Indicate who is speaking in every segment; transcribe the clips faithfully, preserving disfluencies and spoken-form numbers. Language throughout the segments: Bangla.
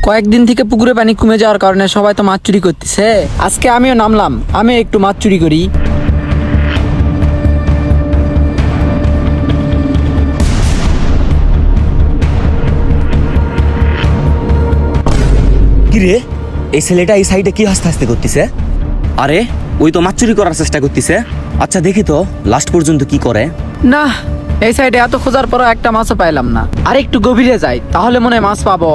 Speaker 1: কয়েকদিন থেকে পুকুরে পানি কমে যাওয়ার কারণে সবাই তো মাছ চুরি করতেছে। আজকে আমিও নামলাম, আমি একটু মাছ চুরি করি।
Speaker 2: কি রে, এই ছেলেটা এই সাইডে কি হাসতে হাসতে করতেছে? আরে ওই তো মাছ চুরি করার চেষ্টা করতেছে। আচ্ছা দেখি তো লাস্ট পর্যন্ত কি করে।
Speaker 1: না, এই সাইডে এত খোঁজার পরও একটা মাছও পাইলাম না। আর একটু গভীরে যাই, তাহলে মনে হয় মাছ পাবো।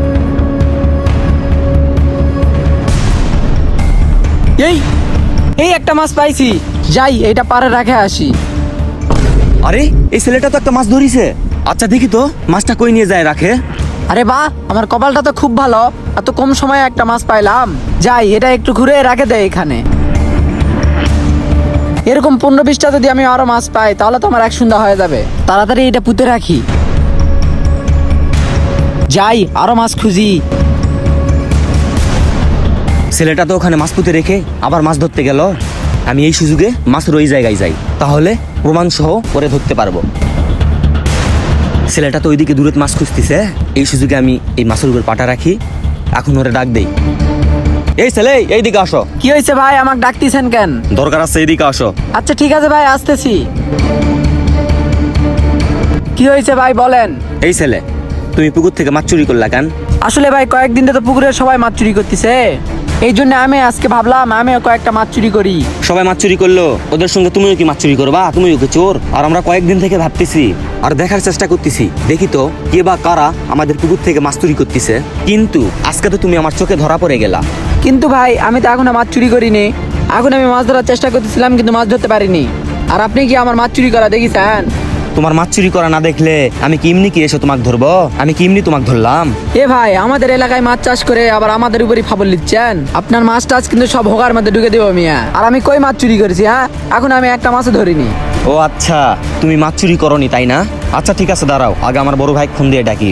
Speaker 1: এই এই একটা মাছ পাইছি, যাই এটা পারে রাখে আসি।
Speaker 2: আরে এই ছেলেটা তো একটা মাছ ধরিছে। আচ্ছা দেখি তো মাছটা কই নিয়ে যায় রাখে।
Speaker 1: আরে বাহ, আমার কপালটা তো খুব ভালো, এত কম সময়ে একটা মাছ পাইলাম। যাই এটা একটু ঘুরে রাখে দেয় এখানে। এরকম পনেরো বিশটা যদি আমি আরো মাছ পাই তাহলে তো আমার এক সন্ধ্যা হয়ে যাবে। তাড়াতাড়ি এটা পুঁতে রাখি। যাই আরো মাছ খুঁজি।
Speaker 2: ছেলেটা তো ওখানে মাছ পুঁতে রেখে আবার মাছ ধরতে গেল। আমি এই সুযোগে মাছের ওই জায়গায় যাই, তাহলে প্রমাণ সহ করে ধরতে পারবো। ছেলেটা তো ওইদিকে দূরে মাছ খুঁজতেছে, এই সুযোগে আমি এই মাছের উপর পাটা রাখি। এখন ওরে ডাক দেই, এই ছেলে এইদিকে আসো।
Speaker 1: কি হয়েছে ভাই, আমাকে ডাকতেছেন কেন?
Speaker 2: দরকার আছে, এইদিকে আসো।
Speaker 1: আচ্ছা ঠিক আছে ভাই, আসতেছি। কি হয়েছে ভাই বলেন।
Speaker 2: এই ছেলে, তুমি পুকুর থেকে মাছ চুরি করলা কেন?
Speaker 1: আসলে ভাই কয়েকদিন ধরে তো পুকুরে সবাই মাছ চুরি করতেছে, এই জন্য আমি আজকে ভাবলাম আমিও কয়েকটা মাছ চুরি করি।
Speaker 2: সবাই মাছ চুরি করলো, ওদের সঙ্গে তুমিও কি মাছ চুরি করবা? তুমিও কি চোর? আর আমরা কয়েকদিন থেকে ভাবতেছি আর দেখার চেষ্টা করতেছি, দেখি তো কে বা কারা আমাদের পুকুর থেকে মাছ চুরি করতেছে। কিন্তু আজকে তো তুমি আমার চোখে ধরা পড়ে গেলা।
Speaker 1: কিন্তু ভাই আমি তো এখন মাছ চুরি করিনি, এখন আমি মাছ ধরার চেষ্টা করতেছিলাম কিন্তু মাছ ধরতে পারিনি। আর আপনি কি আমার মাছ চুরি করা দেখেছেন?
Speaker 2: তোমার মাছ চুরি করা না দেখলে আমি কি এমনি কি এসে তোমাকে ধরবো? আমি কি এমনি তোমাকে ধরলাম?
Speaker 1: এ ভাই, আমাদের এলাকায় মাছ চাষ করে আবার আমাদের উপরই ফাবল দিচ্ছেন। আপনার মাছ টাছ কিন্তু সব হোগার মধ্যে ঢুকে দেবো মিয়া। আর আমি কই মাছ চুরি করেছি? হ্যাঁ, এখন আমি একটা মাছও ধরিনি।
Speaker 2: ও আচ্ছা, তুমি মাছ চুরি করনি তাই না? আচ্ছা ঠিক আছে, দাঁড়াও আগে আমার বড় ভাই ফোন দিয়ে ডাকি।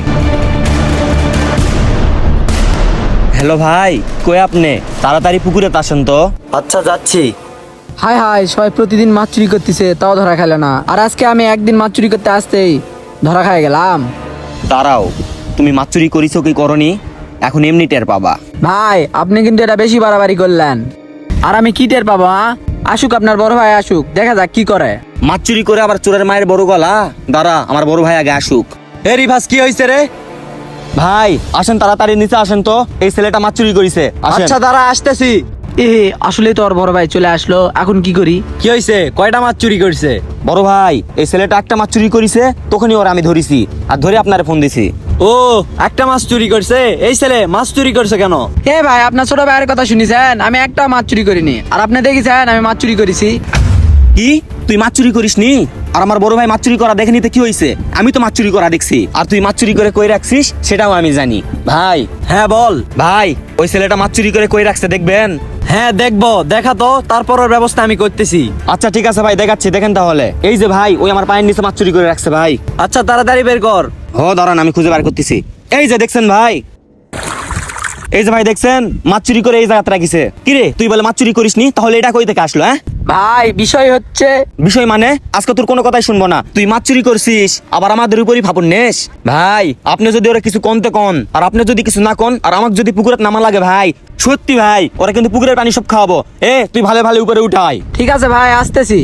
Speaker 2: হ্যালো ভাই, কই আপনি? তাড়াতাড়ি পুকুরে আসেন তো। আচ্ছা যাচ্ছি।
Speaker 1: হাই হাই, সবাই প্রতিদিন মাছ চুরি করতেছে তাও ধরা খাইল না, আর আজকে আমি একদিন মাছ চুরি করতে আসতেই ধরা খাই গেলাম।
Speaker 2: দাঁড়াও, তুমি মাছ চুরি করিছো কি করনি এখন এমনি টের পাবা।
Speaker 1: ভাই আপনি কিন্তু এটা বেশি বাড়াবাড়ি করলেন। আর আমি কি টের পাবো? হ্যাঁ, আসুক আপনার বড় ভাই আসুক, দেখা যাক কি করে।
Speaker 2: মাছ চুরি করে আবার চোরের মায়ের বড় গলা। দাঁড়া, আমার বড় ভাই আগে আসুক। এ রিভাস, কি হয়েছে রে? ভাই আসেন তাড়াতাড়ি নিচে আসেন তো, এই ছেলেটা মাছ চুরি করেছে।
Speaker 3: আচ্ছা দাঁড়া, আসতেছি।
Speaker 1: এ আসলে তো ওর বড় ভাই চলে আসলো, এখন কি করি?
Speaker 3: কি হয়েছে? কয়টা মাছ চুরি করছে?
Speaker 2: বড় ভাই, এই ছেলেটা একটা মাছ চুরি করেছে, তখনই ওরা আমি ধরেছি আর ধরে আপনারে ফোন দিছি।
Speaker 3: ও, একটা মাছ চুরি করছে? এই ছেলে মাছ চুরি করছে কেন?
Speaker 1: এ ভাই, আপনার ছোট ভাইয়ের কথা শুনেছেন? আমি একটা মাছ চুরি করিনি, আর আপনি দেখেছেন আমি মাছ চুরি করেছি।
Speaker 2: কি, তুই মাছ চুরি করিসনি? আর আমার বড় ভাই মাছ চুরি করা দেখেনি তো কি হয়েছে? আমি তো মাছ চুরি করা দেখছি, আর তুই মাছ চুরি করে কই রাখছিস সেটাও আমি জানি। ভাই,
Speaker 3: হ্যাঁ বল।
Speaker 2: ভাই ওই ছেলেটা মাছ চুরি করে কই রাখছে দেখবেন?
Speaker 3: হ্যাঁ দেখবো, দেখা তো, তারপরের ব্যবস্থা আমি করতেছি।
Speaker 2: আচ্ছা ঠিক আছে ভাই, দেখাচ্ছি, দেখেন তাহলে। এই যে ভাই, ওই আমার পায়ের নিচে মাছ চুরি করে রাখছে ভাই।
Speaker 3: আচ্ছা তাড়াতাড়ি বের কর।
Speaker 2: হ দাঁড়ান, আমি খুঁজে বার করতেছি। এই যে দেখছেন ভাই, এই যে ভাই দেখছেন মাছ চুরি করে এই জায়গাতে রাখিছে। কিরে, তুই বলে মাছ চুরি করিসনি, তাহলে এটা কই থেকে আসলো? হ্যাঁ
Speaker 1: ভাই বিষয় হচ্ছে,
Speaker 2: বিষয় মানে আজকে তোর কোনো কথাই শুনবো না। তুই মাছ চুরি করছিস আবার আমাদের উপরই ফাপড় নেস। ভাই আপনি যদি ওরা কিছু কনতে কন, আর আপনি যদি কিছু না কন, আর আমাকে যদি পুকুরে নামা লাগে ভাই, সত্যি ভাই ওরা কিন্তু পুকুরের পানি সব খাওয়াবো। এ তুই ভালো ভালো উপরে উঠাই।
Speaker 1: ঠিক আছে ভাই, আসতেছি।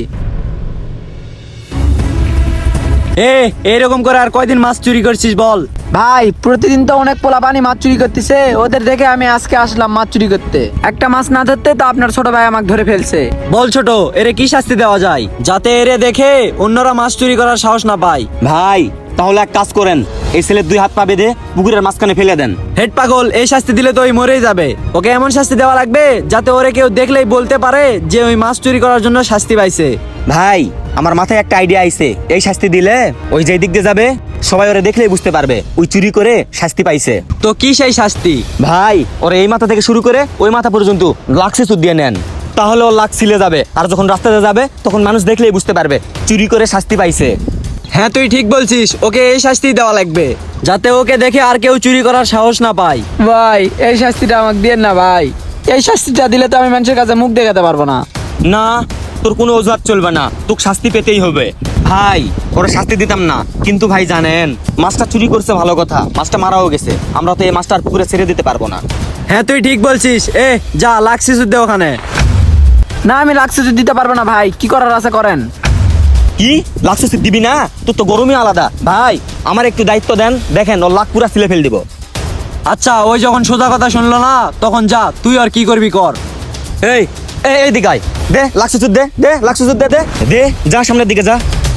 Speaker 3: এ এরকম করে আর কয়দিন মাছ চুরি করছিস বল?
Speaker 1: ভাই প্রতিদিন তো অনেক পোলা পানি মাছ চুরি করতেছে, ওদের দেখে আমি আজকে আসলাম মাছ চুরি করতে। একটা মাছ না ধরতে তো আপনার ছোট ভাই আমাকে ধরে ফেলছে।
Speaker 3: বল ছোট, এরে কি শাস্তি দেওয়া যায় যাতে এরে দেখে অন্যরা মাছ চুরি করার সাহস না পায়?
Speaker 2: ভাই তাহলে এক কাজ করেন, এই ছেলের দুই হাত পা বেঁধে পুকুরের মাঝখানে ফেলে দেন।
Speaker 3: হেড পাগল, এই শাস্তি দিলে তো ওই মরেই যাবে। ওকে এমন শাস্তি দেওয়া লাগবে যাতে ওরে কেউ দেখলেই বলতে পারে যে ওই মাছ চুরি করার জন্য শাস্তি পাইছে।
Speaker 2: ভাই আমার মাথায় একটা আইডিয়া আইছে, এই শাস্তি দিলে ওই যে দিক দিয়ে যাবে সবাই ওরে দেখলেই বুঝতে পারবে ওই চুরি করে শাস্তি পাইছে।
Speaker 3: তো কি সেই শাস্তি?
Speaker 2: ভাই ওরে এই মাথা থেকে শুরু করে ওই মাথা পর্যন্ত লাক্সে সুদ দিয়ে নেন, তাহলে ও লাক্স ছিলে যাবে, আর যখন রাস্তাতে যাবে তখন মানুষ দেখলেই বুঝতে পারবে চুরি করে শাস্তি পাইছে।
Speaker 3: হ্যাঁ তুই ঠিক বলছিস, ওকে এই শাস্তি দেওয়া লাগবে যাতে ওকে দেখে আর কেউ চুরি করার সাহস না পায়।
Speaker 1: ভাই এই শাস্তিটা আমাকে দিয়েন না ভাই, এই শাস্তিটা দিলে তো আমি মানুষের কাছে মুখ দেখাতে পারবো না।
Speaker 2: না, তোর কোনো অজুহাত চলবে না, তোকে শাস্তি পেতেই হবে। ভাই ওরা শাস্তি দিতাম না, কিন্তু ভাই জানেন মাছটা চুরি করছে ভালো কথা, মাছটা মারাও গেছে, আমরা তো এই মাছটা আর পুকুরে ছেড়ে দিতে পারবো না।
Speaker 3: হ্যাঁ তুই ঠিক বলছিস। এ যা লাগছিস দে ওখানে।
Speaker 1: না আমি লাগছে যদি দিতে পারবো না ভাই, কি করার আছে করেন।
Speaker 2: কি লাগছে দিবি না? তোর তো গরমই আলাদা। ভাই আমার একটু দায়িত্ব দেন, দেখেন ওর লাখ পুরা সিলে ফেল দিব।
Speaker 3: আচ্ছা ওই যখন সোজা কথা শুনলো না তখন যা, তুই আর কি করবি কর।
Speaker 2: এই এই এই দিকাই দে লাগছে দে দে লাগছে দে দে দে যা সামনের দিকে যা।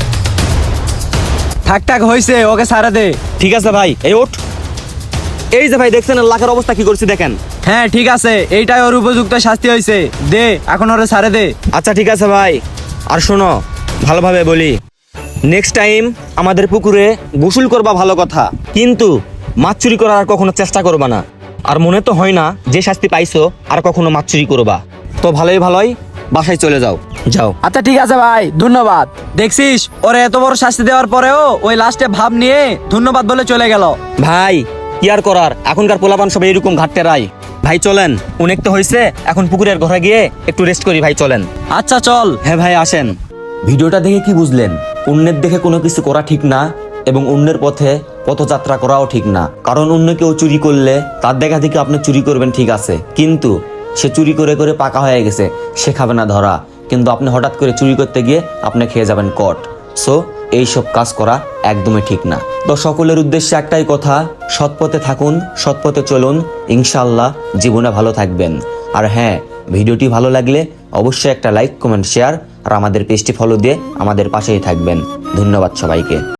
Speaker 3: ঠাক ঠাক হয়েছে, ওকে সারা দে।
Speaker 2: ঠিক আছে ভাই, এই ওঠ। এই যে ভাই দেখছেন ওর লাখের অবস্থা কি করছি দেখেন।
Speaker 3: হ্যাঁ ঠিক আছে, এইটাই ওর উপযুক্ত শাস্তি হয়েছে, দে এখন ওরে সারে দে।
Speaker 2: আচ্ছা ঠিক আছে ভাই, আর শোনো ভালোভাবে বলি, নেক্সট টাইম আমাদের পুকুরে গোসল করবা ভালো কথা, কিন্তু মাছ চুরি করার আর কখনো চেষ্টা করবা না। আর মনে তো হয় না যে শাস্তি পাইছো আর কখনো মাছ চুরি করবা। তো ভালোই ভালোই বাসায় চলে যাও, যাও।
Speaker 1: আচ্ছা ঠিক আছে ভাই, ধন্যবাদ।
Speaker 3: দেখছিস ওরে এত বড় শাস্তি দেওয়ার পরেও ওই লাস্টে ভাব নিয়ে ধন্যবাদ বলে চলে গেল।
Speaker 2: ভাই কি আর করার, এখনকার পোলাপান সব এরকম ঘাটতেরাই। ভাই চলেন, অনেক তো হয়েছে, এখন পুকুরের ঘরে গিয়ে একটু রেস্ট করি। ভাই চলেন।
Speaker 3: আচ্ছা চল।
Speaker 2: হ্যাঁ ভাই আসেন। ভিডিওটা দেখে কি বুঝলেন? অন্যের দেখে কোনো কিছু করা ঠিক না, এবং অন্যের পথে পথযাত্রা করাও ঠিক না। কারণ অন্য কেউ চুরি করলে তার দেখা দেখে আপনি চুরি করবেন, ঠিক আছে, কিন্তু সে চুরি করে করে পাকা হয়ে গেছে, সে খাবে না ধরা, কিন্তু আপনি হঠাৎ করে চুরি করতে গিয়ে আপনি খেয়ে যাবেন কট। সো এইসব কাজ করা একদমই ঠিক না। তো সকলের উদ্দেশ্যে একটাই কথা, সৎ পথে থাকুন, সৎ পথে চলুন, ইনশাআল্লাহ জীবনে ভালো থাকবেন। আর হ্যাঁ, ভিডিওটি ভালো লাগলে অবশ্যই একটা লাইক, কমেন্ট, শেয়ার আর আমাদের পেজটি ফলো দিয়ে আমাদের পাশেই থাকবেন। ধন্যবাদ সবাইকে।